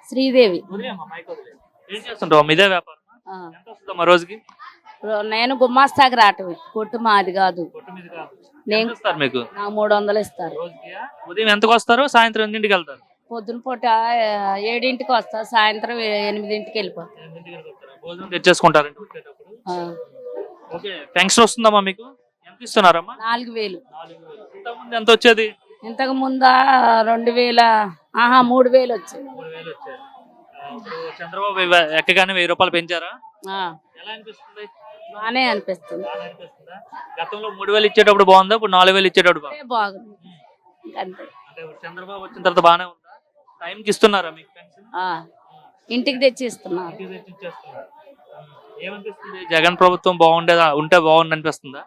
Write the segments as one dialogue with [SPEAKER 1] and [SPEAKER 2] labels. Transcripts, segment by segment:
[SPEAKER 1] శ్రీదేవి.
[SPEAKER 2] ఏం చేస్తుంటావు? ఇదే వ్యాపారం
[SPEAKER 1] ఆ.
[SPEAKER 2] ఎంత వస్తుందమ్మా రోజుకి?
[SPEAKER 1] నేను గుమ్మాస్తాకి రావటమే, కొట్టు మాది కాదు.
[SPEAKER 2] కొట్టు మీద కాదు.
[SPEAKER 1] నేను
[SPEAKER 2] ఎంత ఇస్తారు మీకు
[SPEAKER 1] నాకు 300 ఇస్తారు.
[SPEAKER 2] రోజుకి? ఉదయం ఎంతకు వస్తారు, సాయంత్రం ఎన్నింటికి వెళ్తారు?
[SPEAKER 1] పొద్దున పూట 7ంటికి వస్తా, సాయంత్రం 8ంటికి వెళ్ళిపోతా.
[SPEAKER 2] భోజనం తెచ్చేసుకుంటారండి వచ్చేటప్పుడు? ఓకే. పెన్షన్ వస్తుందమ్మా మీకు? ఎంత ఇస్తున్నారమ్మా?
[SPEAKER 1] 4000.
[SPEAKER 2] 4000. ఇంతకుముందు ఎంత వచ్చేది?
[SPEAKER 1] ఇంతకు ముందా 2000, 3000 వచ్చాయి.
[SPEAKER 2] 3000 వచ్చేది. ఇప్పుడు చంద్రబాబు ఎక్కగానే 1000 రూపాయలు పెంచారా? ఎలా అనిపిస్తుంది?
[SPEAKER 1] బానే అనిపిస్తుంది.
[SPEAKER 2] గతంలో 3000 ఇచ్చేటప్పుడు బాగుందా, ఇప్పుడు 4000 ఇచ్చేటప్పుడు
[SPEAKER 1] బాగుంది. అంతే.
[SPEAKER 2] అంటే చంద్రబాబు వచ్చిన తర్వాత బాగానే ఉందా? టైంకి ఇస్తున్నారా మీకు పెన్షన్?
[SPEAKER 1] ఇంటికి తెచ్చి ఇస్తున్నారు.
[SPEAKER 2] ఏమనిపిస్తుంది? జగన్ ప్రభుత్వం ఉంటే బాగుంది అనిపిస్తుందా?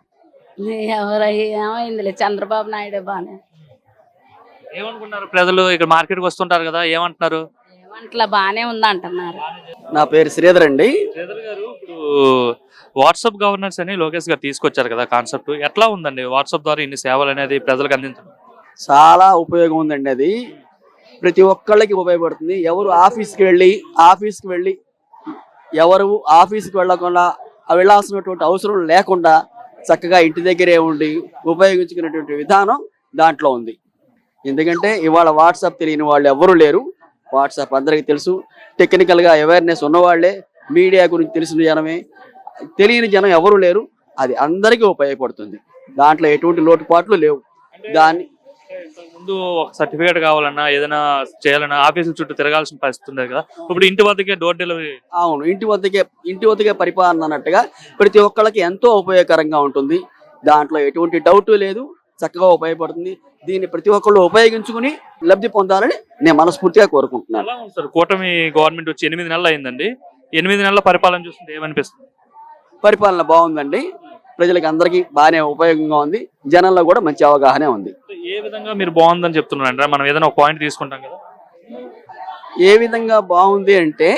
[SPEAKER 1] ఏమైందిలే, చంద్రబాబు నాయుడు బానే.
[SPEAKER 2] ఏమనుకున్నారు ప్రజలు? ఇక్కడ మార్కెట్కి వస్తుంటారు కదా, ఏమంటున్నారు?
[SPEAKER 1] ఏమంటలా, బానే ఉంది అంటున్నారు.
[SPEAKER 3] నా పేరు శ్రీధర్ అండి.
[SPEAKER 2] శ్రీధర్ గారు, ఇప్పుడు వాట్సాప్ గవర్నెన్స్ అని లోకేష్ గారు తీసుకొచ్చారు కదా కాన్సెప్ట్, ఎట్లా ఉందండి? వాట్సాప్ ద్వారా ఇన్ని సేవలు అనేది ప్రజలకు అందించడం
[SPEAKER 3] చాలా ఉపయోగం ఉందండి. అది ప్రతి ఒక్కళ్ళకి ఉపయోగపడుతుంది. ఎవరు ఆఫీస్కి వెళ్ళి ఎవరు ఆఫీస్కి వెళ్ళకుండా వెళ్ళాల్సినటువంటి అవసరం లేకుండా చక్కగా ఇంటి దగ్గరే ఉండి ఉపయోగించుకునేటువంటి విధానం దాంట్లో ఉంది. ఎందుకంటే ఇవాళ వాట్సాప్ తెలియని వాళ్ళు ఎవరు లేరు. వాట్సాప్ అందరికీ తెలుసు. టెక్నికల్గా అవేర్నెస్ ఉన్నవాళ్లే, మీడియా గురించి తెలిసిన జనమే, తెలియని జనం ఎవరు లేరు. అది అందరికీ ఉపయోగపడుతుంది. దాంట్లో ఎటువంటి లోటుపాట్లు లేవు. దాన్ని
[SPEAKER 2] ముందు ఒక సర్టిఫికేట్ కావాలన్నా, ఏదైనా చేయాలన్నా ఆఫీసుల చుట్టూ తిరగాల్సిన పరిస్థితి ఉంది కదా, ఇప్పుడు ఇంటి వద్దకే డోర్ డెలివరీ.
[SPEAKER 3] అవును, ఇంటి వద్దకే పరిపాలన అన్నట్టుగా ప్రతి ఒక్కళ్ళకి ఎంతో ఉపయోగకరంగా ఉంటుంది. దాంట్లో ఎటువంటి డౌట్ లేదు. చక్కగా ఉపయోగపడుతుంది. దీన్ని ప్రతి ఒక్కళ్ళు ఉపయోగించుకుని లబ్ధి పొందాలని నేను మనస్ఫూర్తిగా కోరుకుంటున్నాను.
[SPEAKER 2] ఎలా ఉంది సార్? కూటమి గవర్నమెంట్ వచ్చి 8 నెలలు అయిందండి. 8 నెలల పరిపాలన చూస్తుంటే ఏమనిపిస్తుంది?
[SPEAKER 3] పరిపాలన బాగుందండి. ప్రజలకి అందరికీ బాగానే ఉపయోగంగా ఉంది. జనంలో కూడా మంచి అవగాహన ఉంది.
[SPEAKER 2] ఏ విధంగా మీరు బాగుందని చెప్తున్నారంటే, మనం ఏదైనా ఒక పాయింట్ తీసుకుంటాం కదా,
[SPEAKER 3] ఏ విధంగా బాగుంది అంటే,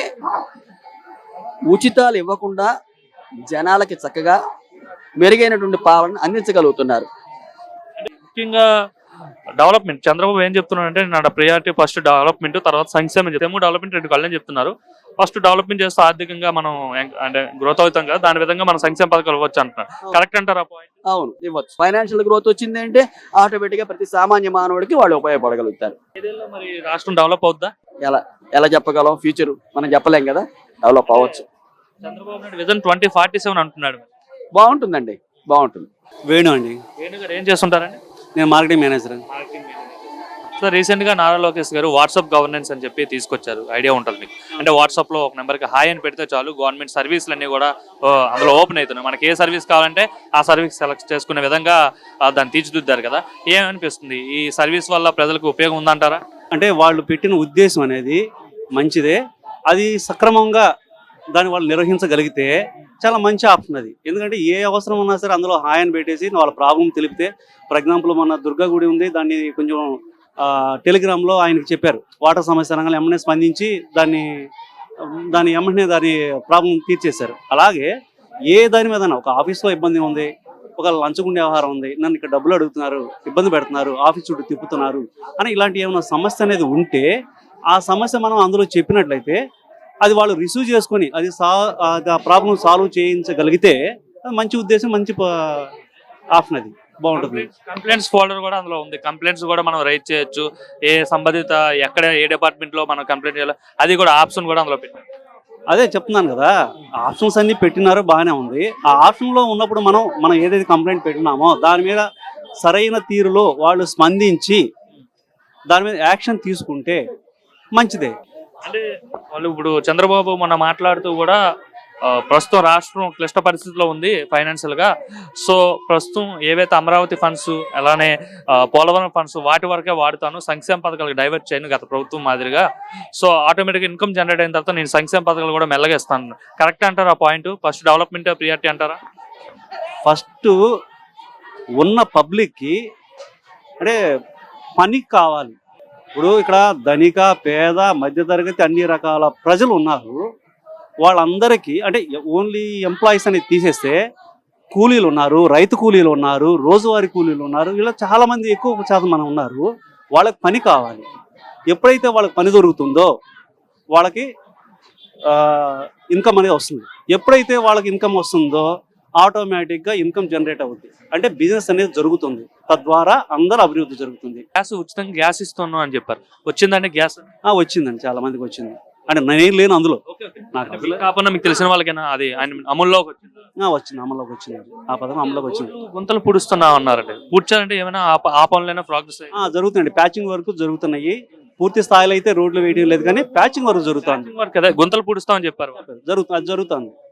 [SPEAKER 3] ఉచితాలు ఇవ్వకుండా జనాలకి చక్కగా మెరుగైనటువంటి పాలన అందించగలుగుతున్నారు.
[SPEAKER 2] ముఖ్యంగా డెవలప్మెంట్. చంద్రబాబు ఏం చెప్తున్నారంటే, నా ప్రియారిటీ ఫస్ట్ డెవలప్మెంట్, తర్వాత సంక్షేమం. డెవలప్మెంట్ 2 కళ్ళని చెప్తున్నారు. ఫస్ట్ డెవలప్మెంట్ చేస్తే ఆర్థికంగా మనం అంటే గ్రోత్ అవుతాం కదా, దాని విధంగా మనం సంక్షేమ పథకాలు ఇవ్వచ్చు అంటున్నారు. కరెక్ట్ అంటారా పాయింట్?
[SPEAKER 3] అవును, ఇవ్వచ్చు. ఫైనాన్షియల్ గ్రోత్ వచ్చింది అంటే ఆటోమేటిక్ గా ప్రతి సామాన్య మానవుడికి వాళ్ళు ఉపయోగపడగలుగుతారు.
[SPEAKER 2] మరి రాష్ట్రం డెవలప్ అవుద్దా?
[SPEAKER 3] ఎలా చెప్పగలం? ఫ్యూచర్ మనం చెప్పలేం కదా. డెవలప్ అవ్వచ్చు.
[SPEAKER 2] చంద్రబాబు నాయుడు విజన్ 2047 అంటున్నాడు.
[SPEAKER 3] బాగుంటుందండి, బాగుంటుంది.
[SPEAKER 4] వేణు అండి.
[SPEAKER 2] వేణు గారు ఏం చేస్తుంటారండి?
[SPEAKER 4] నేను మార్కెటింగ్ మేనేజర్.
[SPEAKER 2] సో రీసెంట్ గా నారా లోకేష్ గారు వాట్సాప్ గవర్నెన్స్ అని చెప్పి తీసుకొచ్చారు. ఐడియా ఉంటుంది మీకు? అంటే వాట్సాప్ లో ఒక నెంబర్కి హాయ్ అని పెడితే చాలు, గవర్నమెంట్ సర్వీసులు అన్ని కూడా అందులో ఓపెన్ అవుతున్నాయి. మనకి ఏ సర్వీస్ కావాలంటే ఆ సర్వీస్ సెలెక్ట్ చేసుకునే విధంగా దాన్ని తీర్చిదిద్దారు కదా. ఏమనిపిస్తుంది? ఈ సర్వీస్ వల్ల ప్రజలకు ఉపయోగం ఉందంటారా?
[SPEAKER 4] అంటే వాళ్ళు పెట్టిన ఉద్దేశం అనేది మంచిదే. అది సక్రమంగా దాన్ని వాళ్ళు నిర్వహించగలిగితే చాలా మంచి ఆప్షన్ అది. ఎందుకంటే ఏ అవసరం ఉన్నా సరే అందులో హాయ్ అని పెట్టేసి వాళ్ళ ప్రాబ్లం తెలిపితే, ఫర్ ఎగ్జాంపుల్ మన దుర్గా గుడి ఉంది, దాన్ని కొంచెం టెలిగ్రామ్లో ఆయనకి చెప్పారు, వాటర్ సమస్య అనగానే ఎమ్మనే స్పందించి దాని ఎమ్మనే దాని ప్రాబ్లం తీర్చేశారు. అలాగే ఏ దాని మీద ఒక ఆఫీస్లో ఇబ్బంది ఉంది, ఒక లంచగుండే వ్యవహారం ఉంది, నన్ను ఇక్కడ డబ్బులు అడుగుతున్నారు, ఇబ్బంది పెడుతున్నారు, ఆఫీస్ చుట్టూ తిప్పుతున్నారు అని ఇలాంటి ఏమైనా సమస్య అనేది ఉంటే ఆ సమస్య మనం అందులో చెప్పినట్లయితే అది వాళ్ళు రిసీవ్ చేసుకొని అది ఆ ప్రాబ్లం సాల్వ్ చేయించగలిగితే మంచి ఉద్దేశం, మంచి ఆప్షన్. అది బాగుంటుంది.
[SPEAKER 2] కంప్లైంట్స్ ఫోల్డర్ కూడా అందులో ఉంది. కంప్లైంట్స్ కూడా మనం రైట్ చేయొచ్చు. ఏ సంబంధిత ఎక్కడ ఏ డిపార్ట్మెంట్ లో మనం కంప్లైంట్ చేయాలో అది కూడా ఆప్షన్ కూడా అందులో పెట్టారు.
[SPEAKER 4] అదే చెప్తున్నాను కదా, ఆప్షన్స్ అన్ని పెట్టినారో బాగానే ఉంది. ఆ ఆప్షన్ లో ఉన్నప్పుడు మనం ఏదైతే కంప్లైంట్ పెట్టినామో దాని మీద సరైన తీరులో వాళ్ళు స్పందించి దాని మీద యాక్షన్ తీసుకుంటే మంచిదే.
[SPEAKER 2] అంటే వాళ్ళు ఇప్పుడు చంద్రబాబు మొన్న మాట్లాడుతూ కూడా ప్రస్తుతం రాష్ట్రం క్లిష్ట పరిస్థితిలో ఉంది ఫైనాన్షియల్ గా. సో ప్రస్తుతం ఏవైతే అమరావతి ఫండ్స్, అలానే పోలవరం ఫండ్స్ వాటి వరకే వాడుతాను, సంక్షేమ పథకాలకు డైవర్ట్ చేయను గత ప్రభుత్వం మాదిరిగా. సో ఆటోమేటిక్గా ఇన్కమ్ జనరేట్ అయిన తర్వాత నేను సంక్షేమ పథకాలు కూడా మెల్లగా ఇస్తాను. కరెక్ట్ అంటారా పాయింట్? ఫస్ట్ డెవలప్మెంట్ ప్రియారిటీ అంటారా?
[SPEAKER 4] ఫస్ట్ ఉన్న పబ్లిక్కి అంటే పని కావాలి. ఇప్పుడు ఇక్కడ ధనిక, పేద, మధ్యతరగతి అన్ని రకాల ప్రజలు ఉన్నారు. వాళ్ళందరికీ అంటే ఓన్లీ ఎంప్లాయీస్ అనేది తీసేస్తే కూలీలు ఉన్నారు, రైతు కూలీలు ఉన్నారు, రోజువారీ కూలీలు ఉన్నారు, ఇలా చాలామంది ఎక్కువ శాతం మనం ఉన్నారు. వాళ్ళకి పని కావాలి. ఎప్పుడైతే వాళ్ళకి పని దొరుకుతుందో వాళ్ళకి ఇన్కమ్ అనేది వస్తుంది. ఎప్పుడైతే వాళ్ళకి ఇన్కమ్ వస్తుందో ఆటోమేటిక్గా ఇన్కమ్ జనరేట్ అవుతుంది, అంటే బిజినెస్ అనేది జరుగుతుంది, తద్వారా అందరూ అభివృద్ధి జరుగుతుంది.
[SPEAKER 2] గ్యాస్ ఉచితంగా గ్యాస్ ఇస్తున్నాం అని చెప్పారు, వచ్చిందండి గ్యాస్?
[SPEAKER 4] వచ్చిందండి, చాలా మందికి వచ్చింది. అంటే నేను లేను అందులో, నాకు
[SPEAKER 2] మీకు కాకుండా మీకు తెలిసిన వాళ్ళకైనా అది ఆయన అమల్లోకి వచ్చింది?
[SPEAKER 4] వచ్చింది, అమల్లోకి వచ్చింది, ఆ పథకం అమల్లోకి వచ్చింది.
[SPEAKER 2] గుంతలు పూడుస్తున్నాం అన్నారండి, పూడ్చాలంటే ఏమైనా ఆ పనులైనా ప్రోగ్రెస్
[SPEAKER 4] జరుగుతుందండి, ప్యాచింగ్ వర్క్ జరుగుతున్నాయి. పూర్తి స్థాయిలో అయితే రోడ్లు వేయడం లేదు కానీ ప్యాచింగ్ వర్క్ జరుగుతుంది.
[SPEAKER 2] వర్క్ అదే గుంతలు పూడుస్తామని చెప్పారు.
[SPEAKER 4] అది జరుగుతుంది.